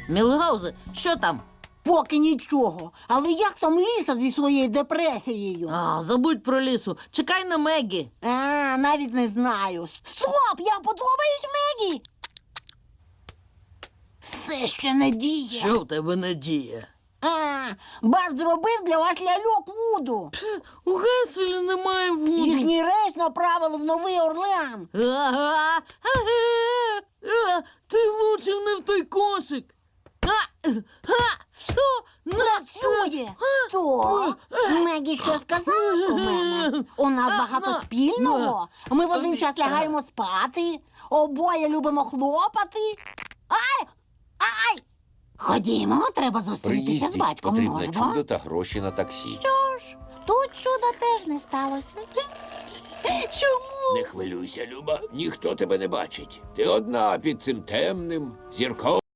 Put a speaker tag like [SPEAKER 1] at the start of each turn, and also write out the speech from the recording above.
[SPEAKER 1] Мілгаузе, що там?
[SPEAKER 2] Поки нічого. Але як там Ліса зі своєю депресією?
[SPEAKER 1] Забудь про лісу. Чекай на Мегі.
[SPEAKER 2] Навіть не знаю. Стоп! Я подобаюсь Мегі! Все ще не діє.
[SPEAKER 1] Що в тебе надія?
[SPEAKER 2] Бас зробив для вас ляльок Вуду.
[SPEAKER 1] У Генселі немає Вуду.
[SPEAKER 2] Їхній рейс направили в Новий Орлеан.
[SPEAKER 1] Ти влучив не в той кошик. Все,
[SPEAKER 2] Працює! То Мегі що сказала про мене? У нас багато спільного. Ми в один час лягаємо спати, обоє любимо хлопати. Ай! Ай! Ходімо, треба зустрітися з
[SPEAKER 3] Приїздіть,
[SPEAKER 2] батьком.
[SPEAKER 3] потрібне
[SPEAKER 2] Можемо?
[SPEAKER 3] чудо та гроші на таксі.
[SPEAKER 2] Що ж, тут чуда теж не сталося. Чому?
[SPEAKER 3] Не хвилюйся, Люба, ніхто тебе не бачить. Ти одна під цим темним, зірковим